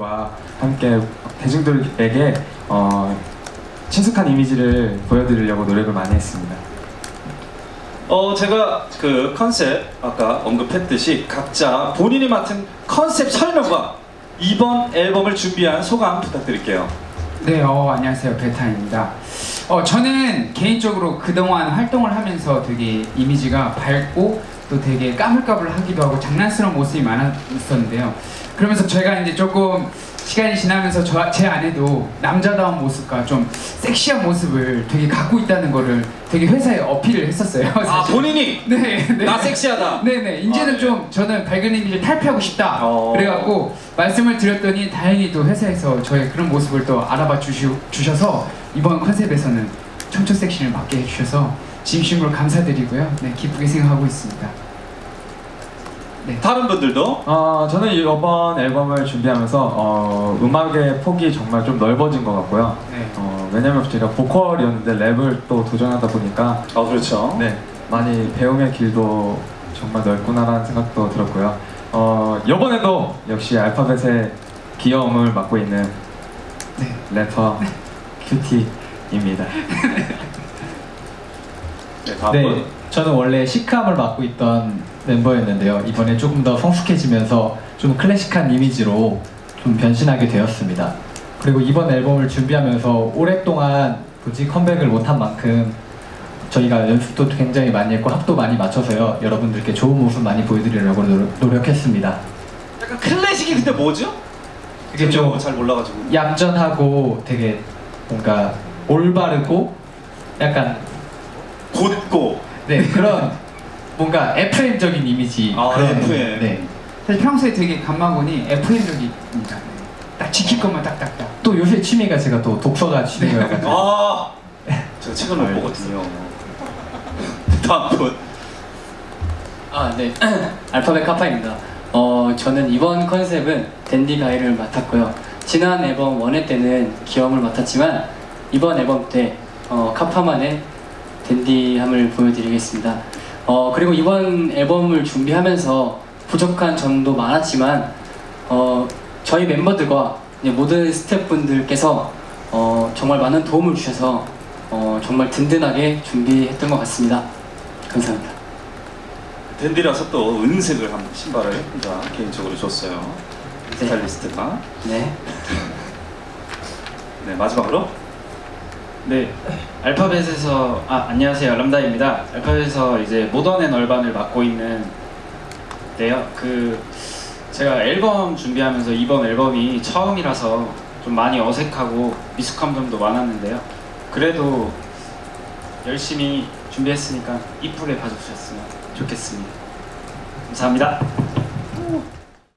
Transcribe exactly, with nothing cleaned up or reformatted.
멤버들과 함께 대중들에게 어, 친숙한 이미지를 보여드리려고 노력을 많이 했습니다. 어 제가 그 컨셉 아까 언급했듯이 각자 본인이 맡은 컨셉 설명과 이번 앨범을 준비한 소감 부탁드릴게요. 네, 어, 안녕하세요. 베타입니다. 어, 저는 개인적으로 그동안 활동을 하면서 되게 이미지가 밝고 또 되게 까불까불하기도 하고 장난스러운 모습이 많았었는데요. 그러면서 제가 이제 조금 시간이 지나면서 저, 제 안에도 남자다운 모습과 좀 섹시한 모습을 되게 갖고 있다는 거를 되게 회사에 어필을 했었어요. 아 사실. 본인이 네, 네. 나 섹시하다. 네네. 이제는 아, 네. 좀 저는 밝은 이미지를 탈피하고 싶다. 어. 그래갖고 말씀을 드렸더니 다행히도 회사에서 저의 그런 모습을 또 알아봐 주시, 주셔서 이번 컨셉에서는 청초 섹시를 맡게 해주셔서 진심으로 감사드리고요. 네, 기쁘게 생각하고 있습니다. 네. 다른 분들도 어, 저는 이번 앨범을 준비하면서 어, 음악의 폭이 정말 좀 넓어진 것 같고요. 네. 어, 왜냐면 제가 보컬이었는데 랩을 또 도전하다 보니까 아 그렇죠. 네, 많이 배움의 길도 정말 넓구나라는 생각도 들었고요. 어, 이번에도 역시 알파벳의 귀여움을 맡고 있는 네. 래퍼 큐티입니다. 네, 다음 네, 분. 저는 원래 시크함을 맡고 있던 멤버였는데요. 이번에 조금 더 성숙해지면서 좀 클래식한 이미지로 좀 변신하게 되었습니다. 그리고 이번 앨범을 준비하면서 오랫동안 굳이 컴백을 못한 만큼 저희가 연습도 굉장히 많이 했고 합도 많이 맞춰서요. 여러분들께 좋은 모습 많이 보여드리려고 노력, 노력했습니다. 약간 클래식이 근데 뭐죠? 이게 좀 잘 몰라가지고. 얌전하고 되게 뭔가 올바르고 약간 곧고. 네 그런 뭔가 에프엠적인 이미지. 아, 그런, 에프엠. 네. 사실 평소에 되게 감마곤이 에프엠적입니다. 네. 딱 지킬 것만 딱딱딱. 또 요새 취미가 제가 또 독서가 취미여가지고 아 제가 책을 못 보거든요. 다음 분. 아, 네. 알파벳 카파입니다. 어, 저는 이번 컨셉은 댄디 가이를 맡았고요. 지난 앨범 원회 때는 귀여움을 맡았지만 이번 앨범 때 어, 카파만의 댄디함을 보여드리겠습니다. 어, 그리고 이번 앨범을 준비하면서 부족한 점도 많았지만 어, 저희 멤버들과 이제 모든 스태프분들께서 어, 정말 많은 도움을 주셔서 어, 정말 든든하게 준비했던 것 같습니다. 감사합니다. 댄디라서 또 은색을 한 신발을 혼자 개인적으로 줬어요. 네. 스타일리스트가. 네. 네 마지막으로. 네, 알파벳에서 아 안녕하세요 람다입니다. 알파벳에서 이제 모던 앤 얼반을 맡고 있는데요. 그 제가 앨범 준비하면서 이번 앨범이 처음이라서 좀 많이 어색하고 미숙한 점도 많았는데요. 그래도 열심히 준비했으니까 이쁘게 봐주셨으면 좋겠습니다. 감사합니다.